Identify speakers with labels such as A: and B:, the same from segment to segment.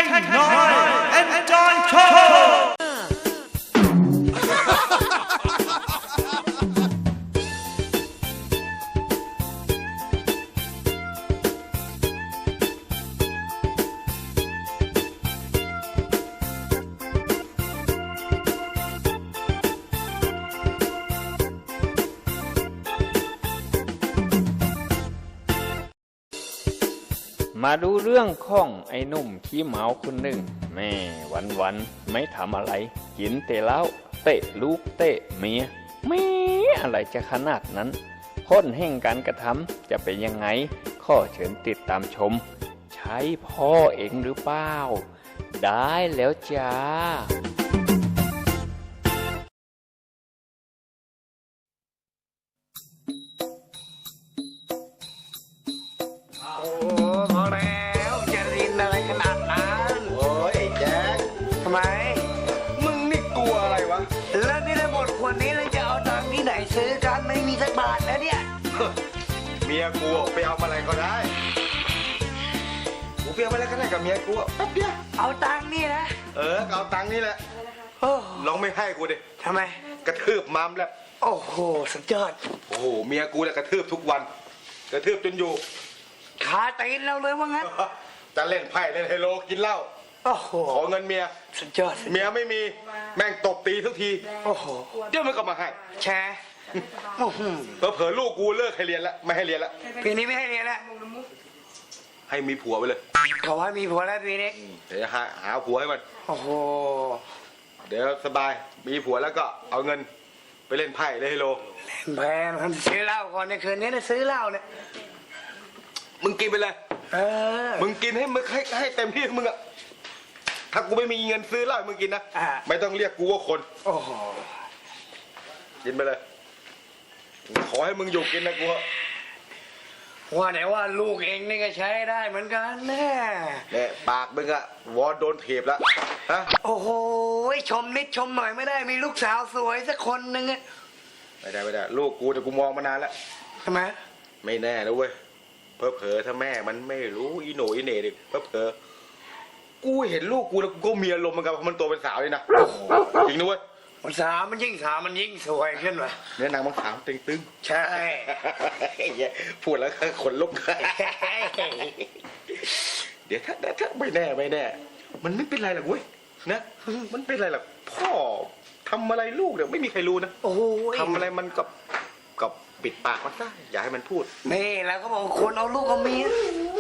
A: Noise Enjoy Show
B: มาดูเรื่องของไอ้หนุ่มขี้เมาคนหนึ่งแม่วันไม่ทำอะไรกินแต่เหล้าเตะลูกเตะเมียไม่อะไรจะขนาดนั้นผลแห่งการกระทำจะเป็นยังไงข้อเชิญติดตามชมใช่พ่อเองหรือเปล่าได้แล้วจ้า
C: ซื้อกันไม่มีสักบาทแล้วเนี่ย
D: เมียกูไปเอาอะไรก็ได้กูไปเอาอะไรก็ได้กับเมียกูแป๊บเดียว
C: เอาตังค์นี่นะ
D: เอาตังค์นี่แหละลองไม่ให้กูดิ
C: ทำไม
D: กระทืบมัมแล้ว
C: โอ้โหสุดยอด
D: โอ้โหเมียกูเนี่ยกระทืบทุกวันกระทืบจนอยู่
C: ขาตีนเราเลยว่างั้น
D: จะเล่นไพ่เล่นไฮโลกินเหล้า
C: โอ้โห
D: ขอเงินเมีย
C: สุดยอด
D: เมียไม่มีแม่งตบตีทุกที
C: โอ้โห
D: เดี๋ยวมันก็มาให้
C: แชร์
D: เผลอลูกกูเลิกให้เรียนแล้วไม่ให้เรียนแล้ว
C: ปีนี้ไม่ให้เรียนแล้ว
D: ให้มีผัวไปเลย
C: เขาว่ามีผัวแล้วปีนี้
D: เดี๋ยวหาผัวให้มัน
C: โอ้โห
D: เดี๋ยวสบายมีผัวแล้วก็เอาเงินไปเล่นไพ่เล่นไฮโล
C: เล่นแพงมันซื้อเหล้าก่อนในคืนนี้นะซื้อเหล้าเนี่ย
D: มึงกินไปเลยมึงกินให้มึงให้เต็มที่มึงอะถ้ากูไม่มีเงินซื้อเหล้ามึงกินนะไม่ต้องเรียกกูว่าคน
C: โอ้โห
D: กินไปเลยขอให้มึงอยู่กินนะกู
C: ว่าไหนว่าลูกเองนี่ก็ใช้ได้เหมือนกันแน่
D: เนี่ยปากมึงอะวอโดนเทปแล้วฮะ
C: โอ้โหชมนิดชมหน่อยไม่ได้มีลูกสาวสวยสักคนหนึ่งอะ
D: ไม่ได้ลูกกูแต่กูมองมานานแล้ว
C: ทำไม
D: ไม่แน่นะเว้ยเผลอถ้าแม่มันไม่รู้อีโหนอีเหน่ดิเผลอกูเห็นลูกกูแล้วกูก็มีอารมณ์เหมือนกันเพราะมันโตเป็นสาวเลยนะจริงนะเว้ย
C: มันสาวมันยิ่งสาวมันยิ่งสวยขึ้นว่ะ
D: เนี่ยนางมันขาวตึง
C: ใช่
D: พูดแล้วขนลุกเดี๋ยวถ้าไม่แน่มันไม่เป็นไรหรอกเว้ยนะมันเป็นไรหรอกพ่อทำอะไรลูกเนี่ยไม่มีใครรู้นะ
C: โอ้
D: ทำอะไรมันกับปิดปากมันซะอย่าให้มันพูด
C: นี่แล้วก็บอกคนเอาลูกเอาเมีย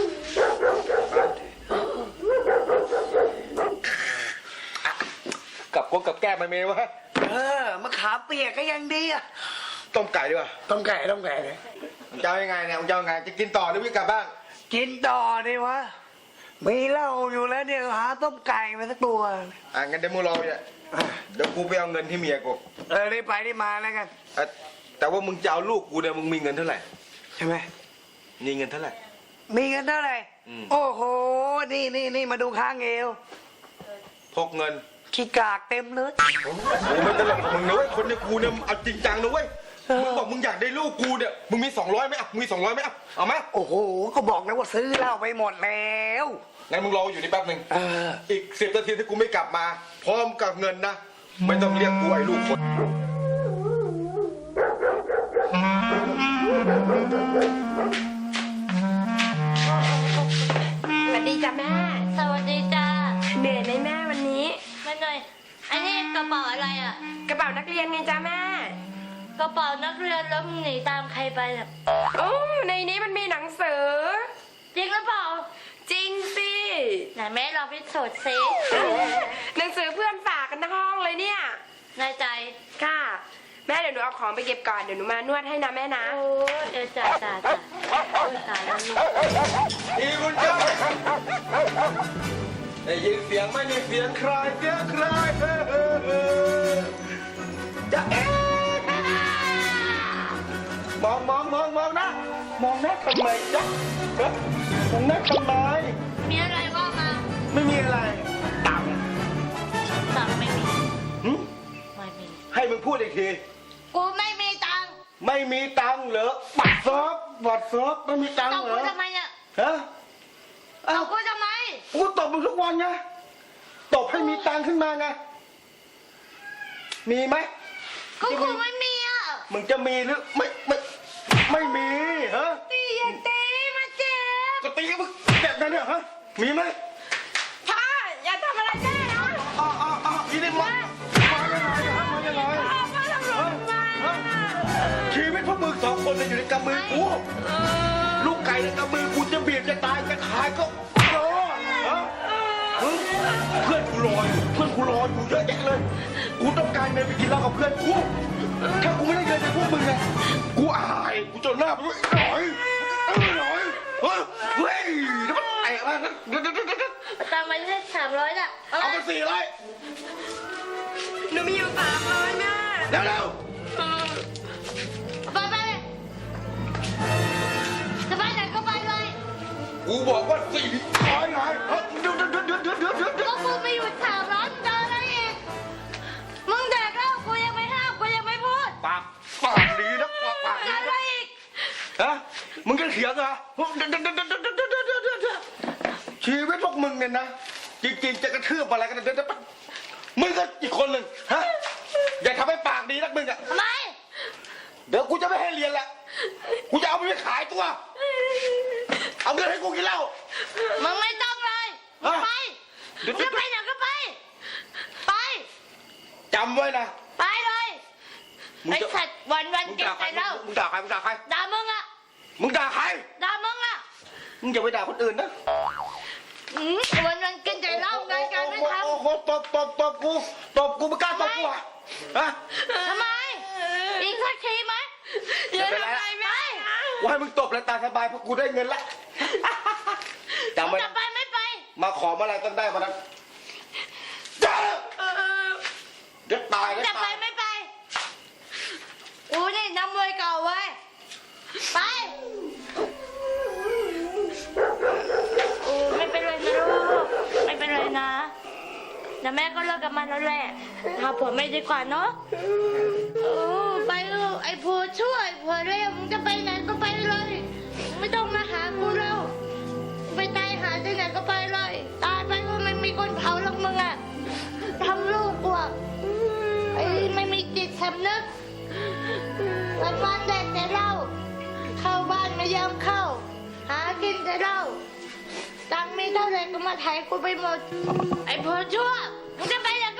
D: กับแก้มันเมย์วะ
C: มะขามเปียกก็ยังดีอะ
D: ต้มไก่ดีกว่า
C: ต้มไก่เลย
D: จะเอายังไงเนี่ยจะเอาไงจะกินต่อหรือวิ่งกลับบ้าน
C: กินต่อดีวะมีเหล้าอยู่แล้วเนี่ยหาต้มไก่มาสักตัว
D: งั้นเดี๋ยวมึงรอเนี่ยเดี๋ยวกูไปเอาเงินที่เมียกู
C: ได้ไปได้มาแล้วกัน
D: แต่ว่ามึงจะเอาลูกกูเนี่ยมึงมีเงินเท่าไหร่
C: ใช่ไหม
D: มีเงินเท่าไหร่
C: มีเงินเท่าไหร่โอ้โหนี่มาดูข้างเอว
D: พกเงิน
C: ขี้กากเต็มเลย
D: โอ้ไม่ตลกมึงนะเว้ยคนในกูเนี่ยเอาจริงจังนะเว้ยมึงบอกมึงอยากได้ลูกกูเนี่ยมึงมี200ไหมมึงมี200ไหมเอาไหม
C: โอ้โหก็บอกแล้วว่าซื้อเหล้าไปหมดแล้ว
D: งั้นมึงรออยู่นี่แป๊บนึงอีก10 นาทีที่กูไม่กลับมาพร้อมกับเงินนะไม่ต้องเรียกกูไอ้ลูกคน
E: สวัสดีจ้ะแม่สวัสดีจ้า
F: เหนื่อยไหมแม่วันนี้
E: ไม่เหนื่อยอันนี้กระเป๋าอะไรอ่ะ
F: กระเป๋านักเรียนไงจ้าแม่
E: กระเป๋านักเรียนแล้วมึงหนีตามใครไปอ่ะ
F: โอ้ในนี้มันมีหนังสือ
E: จริงหรือเปล่า
F: จริงสิ
E: ไหนแม่เราพิสูจน์ซิ
F: หนังสือเพื่อนฝากกันทั้งห้องเลยเนี่ย
E: ในใจ
F: ค่ะแม่เดี๋ยวหนูเอาของไปเก็บก่อนเดี๋ยวหนูมานวดให้นะแม่นะ
E: โอ้จ้าตายแล้วลูก
D: อีคุณเจ้าได้ยินเสียงไหมนี่เสียงใครจะมองนะมองนะทำไมจ๊ะมองนะทำไม
E: มีอะไรว่ามา
D: ไม่มีอะไรตัง
E: ไม่มี
D: ไม่มีให้มึงพูดอีกที
E: กูไม่มีตัง
D: ไม่มีตังเหรอบัตรซบไม่มีตังเหรอ
E: กูทำไมเนี่ย
D: ฮะ
E: เอากูทำไม
D: กูตบมึงทุกวันไงตบให้มีตังค์ขึ้นมาไงมีไหม
E: ก็คงไม่มีอ่ะ
D: มึงจะมีหรือไม่มีฮะ
E: ตีอย่าตีมาเจ็บ
D: ก็ตีมึงแบบนั้นเนี่ยฮะมีไหม
F: พ่ออย่าทำอะไรแม่นะ
D: อีนี่มายังไงฮะมายังไง
F: พ่อทำหล่นมา
D: ชีวิตพวกมึงสองคนเนี่ยอยู่ในกำมือกูลูกไก่ในกำมือกูจะเบียดจะตายจะขายก็รอฮะเพื่อนกูรออยู่เพื่อนกูรออยู่เยอะแยะเลยกูต้องการเงินไปกินเหล้ากับเพื่อนกูถ้ากูไม่ได้เงินจากพวกมึงอะกูอายกูจนหน้าไปด้วยหน่อยเฮ้ยแล้วมันไอ้มา
E: ตามมาได้300น่ะเอา
D: เอา
E: ไป
D: ไป400
F: หนูมีอยู่300แม่
D: เร็ว
E: ไปจะไปไหนก็ไปเลย
D: ๆกูบอกว่า400ไงเดี๋ยว
E: ก็กูไม่อยู่300มึงจะอะไรอีกมึงแดกแล้วกูยังไม่ห้ามกูยังไม่พูด
D: ปากดีนะปากดี
E: อะไร
D: นะ
E: อีก
D: ฮะมึงจะเถียงเหรอชีวิตพวกมึงเนี่ยนะจริงๆจะกระทืบอะไรกันเดี๋ยวมึงก็อีกคนหนึ่งฮะอย่าทำให้ปากดีนักมึงอ่ะ
E: ทำไม
D: เดี๋ยวกูจะไม่ให้เรียนละกูจะเอาไปขายตัวเอาเงินให้กูกินเหล้า
E: มึงไม่ต้องเลยมึงไปมึงจะไปไหนก็ไป ไป
D: จำไว้นะ
E: ไปเลย
D: มึง
E: ไอ้
D: จะ
E: สัตว์วันๆเก็บใส่เหล้า
D: มึงด่าใครมึงด่าใคร
E: ด่ามึงอะ
D: มึงด่าใคร
E: ด่ามึงอะ
D: มึงอย่าไปด่าคนอื่นนะ
E: วันๆกินแต่เหล้าไงการไม่ท
D: โอ้โหตบกูไม่กล้าตบกูอ่ะฮะ
E: ำทำไม อีกสักทีไหม
F: อย่าทำอะไรแม่นะ
D: ว่าให้มึงตบแล้วตาสบายเพราะกูได้เงินละจำ
E: มึง
D: ไว้
E: จะ
D: นะ
E: ไปไม่ไป
D: มาขอเมื่อไรต้องได้มานั้นเดี๋ยวตายเดี๋ยว
E: จะไป
D: ตาย
E: ไม่ไปกูนี่น้ำมวยเก่าเว้ยไปโอ้ไม่เป็นไรนะลูกไม่เป็นไรนะแต่แม่ก็เลิกกับมันแล้วแหละหาผัวไม่ดีกว่าเนาะโอ้ไปเถอะไอ้ผัวช่วยผัวเร็วมึงจะไปไหนก็ไปเลยไม่ต้องมาหากูแล้วไปตายหาที่ไหนก็ไปเลยตายไปก็ไม่มีคนเผาหรอกมึงอะทำลูกกูอะไอ้ไม่มีจิตสำนึกวันๆแดกแต่เหล้าเข้าบ้านไม่ยอมเข้า หากินแต่เหล้าตังค์มีเท่าไหร่ก็มาไถกูไปหมด ไอ้ผัวชั่วมึงจะไปไหนก็